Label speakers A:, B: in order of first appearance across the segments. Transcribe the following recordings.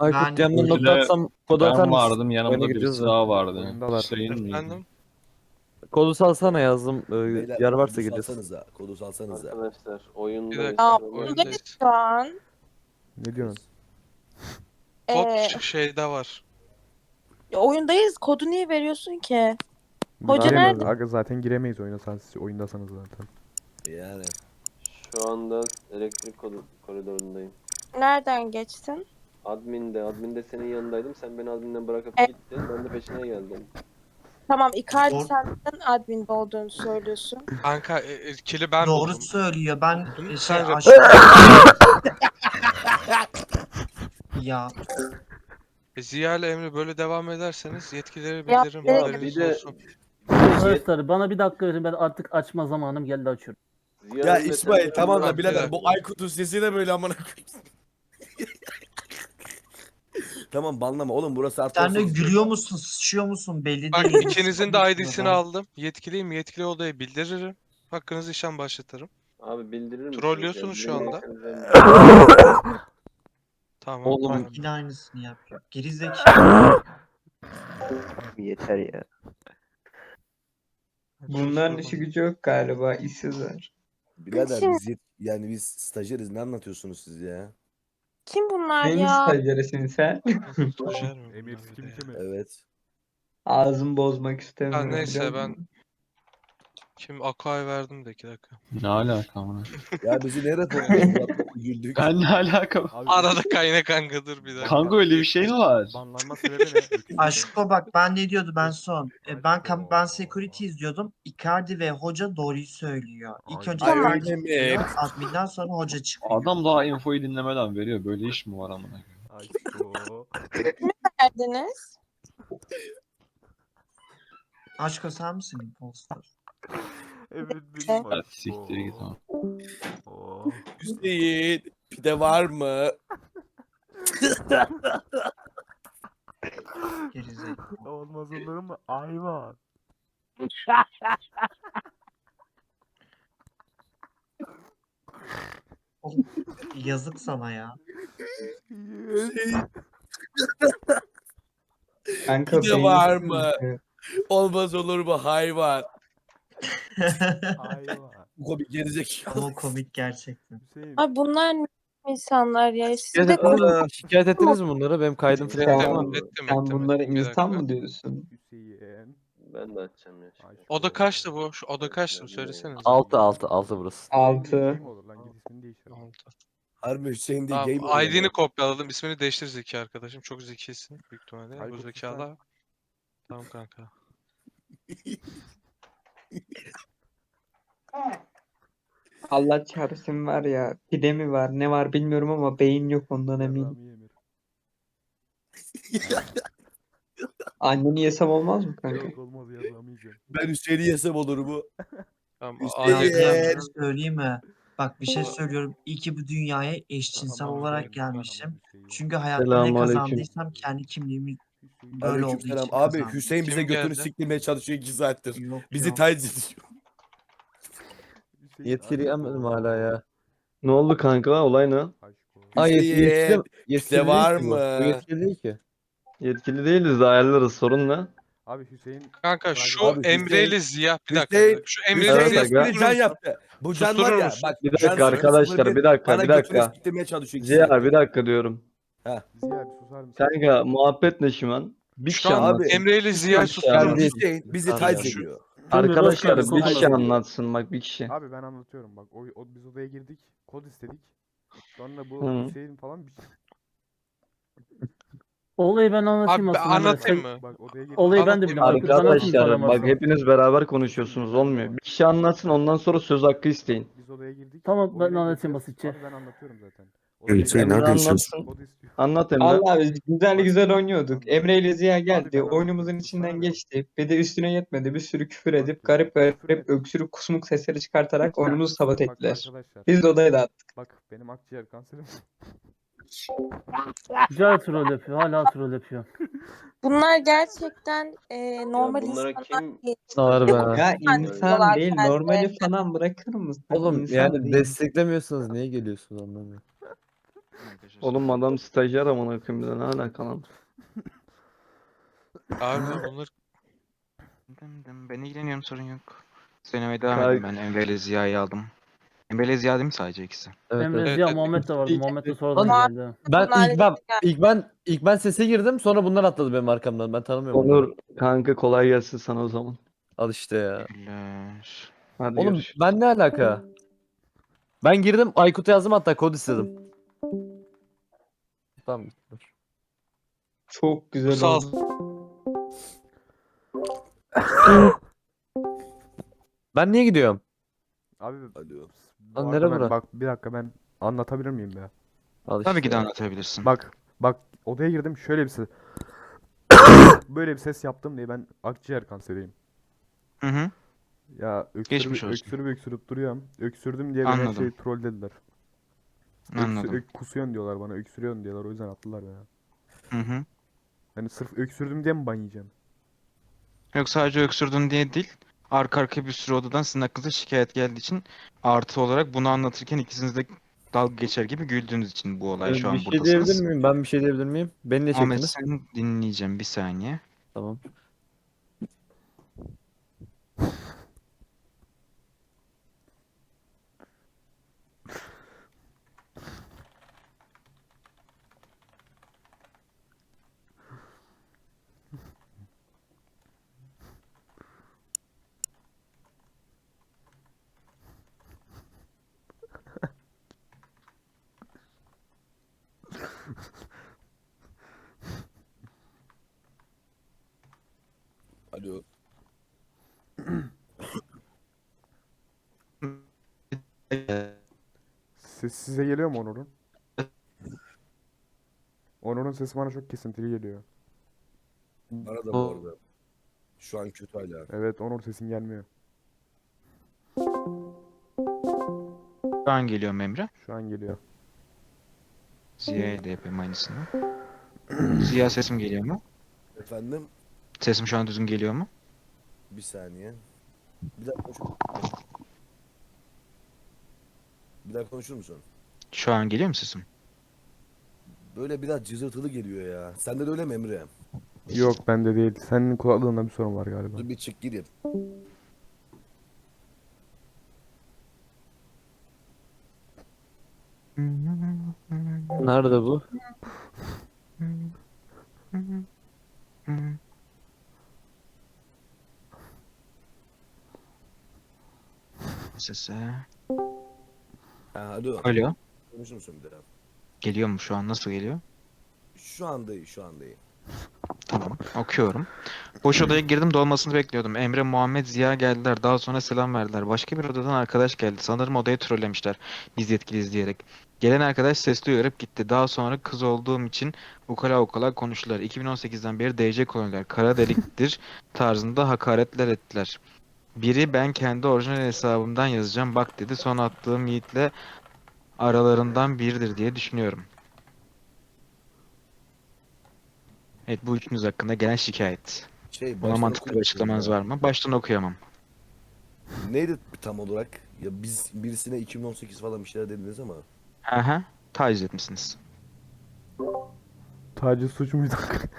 A: Aykut
B: Ben
A: yanına nokta atsam kodu atar
C: Ben
A: mısın?
C: vardım,
A: Oyuna
C: yanımda
A: gireceğiz
C: birisi
A: de.
C: daha vardı.
D: Oyundalar.
C: Hüseyin miydi?
E: Efendim?
A: Kodu salsana yazdım.
F: Beyler
A: Yer varsa
F: kodu
A: gireceğiz.
F: salsanıza. Kodu salsanıza.
G: Arkadaşlar
E: Bir
G: oyundayız.
E: dakika.
H: Aa,
E: Oyundayız.
H: buradayız şu an.
D: Ne diyorsun?
E: Kod
H: Ee,
E: şeyde var.
H: oyundayız. Kodu niye veriyorsun ki? Hoca
D: Giremeyiz.
H: nerede?
D: Aga zaten giremeyiz oyuna, siz oyundasanız zaten.
F: Yani.
G: Şu anda elektrik koridorundayım.
H: Nereden geçtin?
G: Admin'de senin yanındaydım. Sen beni admin'den bırakıp
H: E-
G: gittin. Ben de peşine geldim.
H: Tamam, Icardi
B: Doğru.
H: sen neden adminde olduğunu söylüyorsun.
E: Kanka kili ben
B: Doğru
E: buldum.
B: söylüyor. Ben şey
E: Sen de-
B: aşağı... Ya
E: Ziya ile Emre böyle devam ederseniz yetkileri
H: Ya,
E: bildiririm.
H: evet.
E: Haberiniz
G: Bir de-
E: olsun.
I: Arkadaşlar bana bir dakika verin, ben artık açma zamanım geldi, açıyorum.
G: Ziya
F: Ya
G: Emre
F: İsmail
G: sen-
F: tamam da
E: Bak, bir
F: birader
E: dakika.
F: bu Aykut'un sesi de böyle amına koyayım. Tamam banlama oğlum burası artık.
B: sen de gülüyor musun, sıçıyor musun belli
E: Bak
B: değil.
E: ikinizin de ID'sini aldım. Yetkiliyim. Yetkili odaya bildiririm. Hakkınızı işlem başlatırım.
G: Abi bildirir misin?
E: Trollüyorsunuz şu anda. Tamam.
A: Oğlum.
E: tamam.
B: Yine aynısını yapıyor. Gerizekalı.
J: Yeter ya.
E: Bunların işi
J: gücü yok galiba, işsizler.
F: Birader
H: Şimdi-
F: biz yani biz stajyeriz ne anlatıyorsunuz siz ya?
H: Kim bunlar
J: Neyin
H: ya?
J: stajyerisin sen?
E: Stajyer mi
D: Emir
E: bunlar bir
D: kim
E: de?
D: kimi?
F: Evet.
J: Ağzımı bozmak istemiyorum.
E: neyse,
J: biliyor
E: ben-
J: musun?
E: Kim? Akay verdim de 2 dakika.
C: Ne alaka amına?
F: Ya bizi nereye topluyorsun? Güldük.
C: Ben ne alaka?
D: Abi,
E: Arada kayna kankadır bir dakika.
C: Kanka öyle bir şey mi var?
D: banlanma sebebi ne? Öküz
B: Aşko bak ben ne diyordu ben son. Ben security izliyordum. Icardi ve hoca doğruyu söylüyor. İlk önce
F: Ay,
B: Icardi
F: öyle mi?
B: çıkıyor, adminden sonra hoca çıkıyor.
C: Adam daha infoyu dinlemeden veriyor. Böyle iş mi var amına?
D: Aşko.
H: Verdiniz.
B: Aşko sen misin imposter?
D: Emir
H: Evet.
D: benim
C: Hadi
D: aşko.
C: siktir git ama.
D: Oh.
F: Hüseyin pide var mı?
B: Gerizekalı.
D: Olmaz olur mu? Ayva.
B: Oğlum, yazık sana ya.
J: Kanka
F: Pide
J: beyin
F: var
J: sıkıntı.
F: mı? Olmaz olur mu hayvan?
D: Ayva.
F: Bu komik gerizekalı.
B: O komik gerçekten.
D: Hüseyin.
H: Ay bunlar ne insanlar ya? Siz
A: Şikayet,
H: de
A: şikayet ettiniz mi bunları? Benim kaydım falan
J: Sen-
A: var
E: Ettim,
A: mı?
E: ettim,
J: Sen
E: ettim,
J: bunlara
E: ettim. Bir
J: insan
E: dakika.
J: mı diyorsun?
D: Hüseyin.
G: Ben de açacağım ya.
D: Aşko.
E: Oda kaçtı bu? Şu oda kaçtı? Söylesene.
A: 6 burası.
D: Hüseyin diye
J: 6.
D: şey mi olur lan? Git ismini değiştir.
F: Harbi Hüseyin değil
E: Tamam,
F: game
E: ID'ni kopyaladım. İsmini değiştir Zeki arkadaşım. Çok zekisin büyük ihtimalle. Bu
D: Aykut
E: zekalı. Tamam kanka.
J: Allah çarpsın var ya. Pide mi var ne var bilmiyorum ama beyin yok ondan eminim.
D: Rami Emir.
J: Anneni yesem olmaz mı kanka?
D: Yok olmaz ya, Rami yiyeceğim.
F: Ben Hüseyin'i yesem olur mu?
E: Tamam.
F: Hüseyin.
B: Ya
E: ID
B: bir şey söyleyeyim mi? Bak bir şey
E: Tamam.
B: söylüyorum. İyi ki bu dünyaya eşcinsel
D: Tamam,
B: olarak
D: Hüseyin,
B: gelmişim.
D: Hüseyin.
B: Çünkü hayatta ne
A: Selamünaleyküm.
B: kazandıysam kendi kimliğimi
D: Hüseyin.
B: böyle olduğu
F: Aleykümselam.
B: için
F: Abi
B: kazandım.
F: Hüseyin bize
E: Kim
F: götünü
E: geldi?
F: siktirmeye çalışıyor 2 saattir.
B: Yok,
F: Bizi
B: yok.
F: taciz ediyor.
D: Hüseyin,
A: Yetkili
D: aşko.
A: yemedim hala ya.
J: Ne oldu kanka olay ne?
D: Aşko.
A: Aa
F: Hüseyin,
A: yetkili
F: var
A: değil ki bu.
F: mı?
A: Bu yetkili değil ki.
J: Yetkili değiliz de ayarlarız sorun ne?
D: Abi Hüseyin.
E: Kanka şu
F: Abi
E: Emre ile
F: Hüseyin-
E: Ziya. Bir dakika.
F: Hüseyin-
E: Şu Emre
F: Hüseyin
E: ile
J: Evet,
E: Ziya.
J: aga.
F: espri can yaptı. Bu can var
E: Susturur
F: ya
E: musun?
F: bak.
J: Bir
F: can
J: dakika arkadaşlar,
F: 001,
J: bir dakika,
F: bana
J: bir
F: götünü
J: dakika.
F: siktirmeye çalışıyor 2
J: Ziya
F: saattir.
J: bir dakika diyorum.
D: Ziya bir susar mısın?
J: Kanka muhabbet ne şu an? Bir
E: Şu
J: kişi
E: an
J: anlatsın.
E: Emre ile Ziya
J: Bir
E: susturur
J: şey
E: musun?
A: değil.
F: Hüseyin bizi
A: Abi,
F: taciz
E: şu-
F: ediyor.
J: Arkadaşlar
A: Özkan,
J: bir kişi
A: anlatın.
J: anlatsın bak bir kişi.
D: Abi ben anlatıyorum bak. Biz odaya girdik. Kod istedik. Sonra bu
J: Hı.
D: Hüseyin falan bir şey.
I: Olayı ben anlatayım
E: Abi
I: aslında.
E: anlatayım
I: Sen-
E: mı?
D: Bak odaya girdik.
I: Olayı ben de
E: Anlatayım.
I: biliyorum. Aykut, anlatayım mı
J: Arkadaşlar
I: sana
J: bak
I: varsa?
J: hepiniz beraber konuşuyorsunuz olmuyor. Bir kişi anlatsın ondan sonra söz hakkı isteyin.
D: Biz odaya girdik.
I: Tamam, ben
D: oyuna
I: anlatayım
D: gireceğiz.
I: basitçe.
D: Abi ben anlatıyorum zaten.
F: Hüseyin,
J: Emre
F: neredesin?
J: anlatsın.
D: Kod istiyor.
J: Anlat Emre.
K: Allah biz güzel güzel oynuyorduk. Emre ile Ziya
D: Abi
K: geldi.
D: ben
K: Oyunumuzun
D: anlatıyorum.
K: içinden
D: Sana ne?
K: geçti. Bir de üstüne yetmedi. Bir sürü küfür edip garip garip öksürük kusmuk sesleri çıkartarak oyunumuzu sabote
D: Bak
K: ettiler.
D: arkadaşlar.
K: Biz de odayı dağıttık.
D: Bak benim akciğer kanserim.
I: Hala troll yapıyor. Hala troll yapıyor.
H: bunlar gerçekten normal
G: bunlara
H: insanlar
G: kim-
H: değil.
A: Var be.
K: Ya
H: Yani
K: insan
H: diyorlar
K: değil.
H: kendilerine.
K: Normali falan bırakır mısın?
A: Oğlum
K: İnsan
A: yani
K: değil.
A: desteklemiyorsanız niye geliyorsunuz anlamıyorum.
C: Oğlum adam stajyer amına koyayım bir de ne alaka lan?
E: Abi bunlar
L: Ben ilgileniyorum, sorun yok. Söylemeye devam edeyim, ben Emre ile Ziya'yı aldım. Emre ile Ziya değil mi sadece ikisi?
A: Evet,
I: Emre
A: evet.
I: Ziya
E: Evet,
I: Muhammed de vardı.
A: İlk-
I: Muhammed de sonradan
H: Ama-
I: geldi.
A: Ben
H: Bunlar
A: ilk ben
H: halledildi.
A: ilk ben sese girdim, sonra bunlar atladı benim arkamdan. Ben tanımıyorum bunları.
C: Onur kanka kolay gelsin sana o zaman.
A: Al işte ya.
L: Teşekkürler.
C: Hadi
A: Oğlum
C: görüşürüz.
A: ben ne alaka? Ben girdim, Aykut'a yazdım, hatta kod istedim. Tamam.
K: Çok güzel
E: sağ
K: oldu.
A: Ben niye gidiyorum?
D: Abi
F: Alo.
D: bu
A: Lan
D: arada
A: nere
D: ben-
A: bura?
D: bak bir dakika ben anlatabilir miyim ya?
A: Al
L: Tabii
A: işte
L: ki de
A: ya.
L: anlatabilirsin.
D: Bak odaya girdim şöyle bir ses. Böyle bir ses yaptım diye ben akciğer kanseriyim.
L: Hı hı.
D: Ya
L: Geçmiş olsun.
D: öksürüp duruyorum. Öksürdüm diye beni her
L: Anladım.
D: şeyi trollediler.
L: Anladım.
D: Kusuyorsun diyorlar bana, öksürüyorsun diyorlar, o yüzden attılar beni.
L: Hı hı.
D: Yani sırf öksürdüm diye mi ban yiyeceğim?
L: Yok, sadece öksürdün diye değil. Arka arkaya bir sürü odadan sizin hakkınızda şikayet geldiği için artı olarak bunu anlatırken ikisiniz de dalga geçer gibi güldüğünüz için bu olay şu
A: Bir
L: an
A: şey
L: buradasınız.
A: diyebilir miyim? Ben bir şey diyebilir miyim? Beni ne
L: Ahmet,
A: çektiniz?
L: seni dinleyeceğim bir saniye.
A: Tamam.
F: Alo.
D: Ses size geliyor mu Onur'un? Onur'un sesi bana çok kesintili geliyor.
F: Bana da bu arada. Şu an kötü hala.
D: Evet, Onur sesin gelmiyor.
L: Şu an geliyorum Emre.
D: Şu an geliyor.
L: Ziya'ya da yapayım aynısını. Ziya, sesim geliyor mu?
F: Efendim?
L: Sesim şu an düzgün geliyor mu?
F: Bir saniye. Bir daha konuşur Bir daha konuşur musun?
L: Şu an geliyor mu sesim?
F: Böyle biraz cızırtılı geliyor ya. Sende de öyle mi Emre?
D: Yok, bende değil. Senin kulaklığında bir sorun var galiba.
F: Dur bir çık gireyim.
A: Nerede bu?
L: Sese.
F: Ha, alo.
L: Alo.
F: Konuşur musun bir daha?
L: Geliyor mu şu an? Nasıl geliyor?
F: Şu anda iyi, şu anda iyi.
L: Tamam. Okuyorum. Boş odaya girdim, dolmasını bekliyordum. Emre, Muhammed, Ziya geldiler. Daha sonra selam verdiler. Başka bir odadan arkadaş geldi. Sanırım odayı trollemişler. Biz yetkiliyiz diyerek. Gelen arkadaş sesli uyarıp gitti. Daha sonra kız olduğum için ukala ukala konuştular. 2018'den beri DC koloniler kara deliktir tarzında hakaretler ettiler. Biri ben kendi orijinal hesabımdan yazacağım bak dedi. Son attığım Yiğit'le aralarından biridir diye düşünüyorum. Evet, bu üçünüz hakkında gelen şikayet. Buna
F: Baştan
L: mantıklı bir
F: okur musun
L: açıklamanız
F: ya?
L: var mı? Baştan okuyamam.
F: Neydi tam olarak? Ya biz birisine 2018 falan bir şeyler dediniz ama.
L: Aha, taciz etmişsiniz.
D: Taciz suç muydu?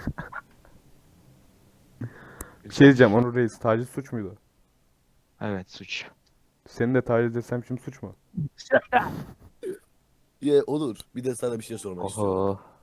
D: Bir şey diyeceğim Onur Reis. Taciz suç muydu?
L: Evet, suç.
D: Seni de taciz etsem şimdi suç mu?
F: Ya olur. Bir de sana bir şey sormak istiyorum.
A: Oho.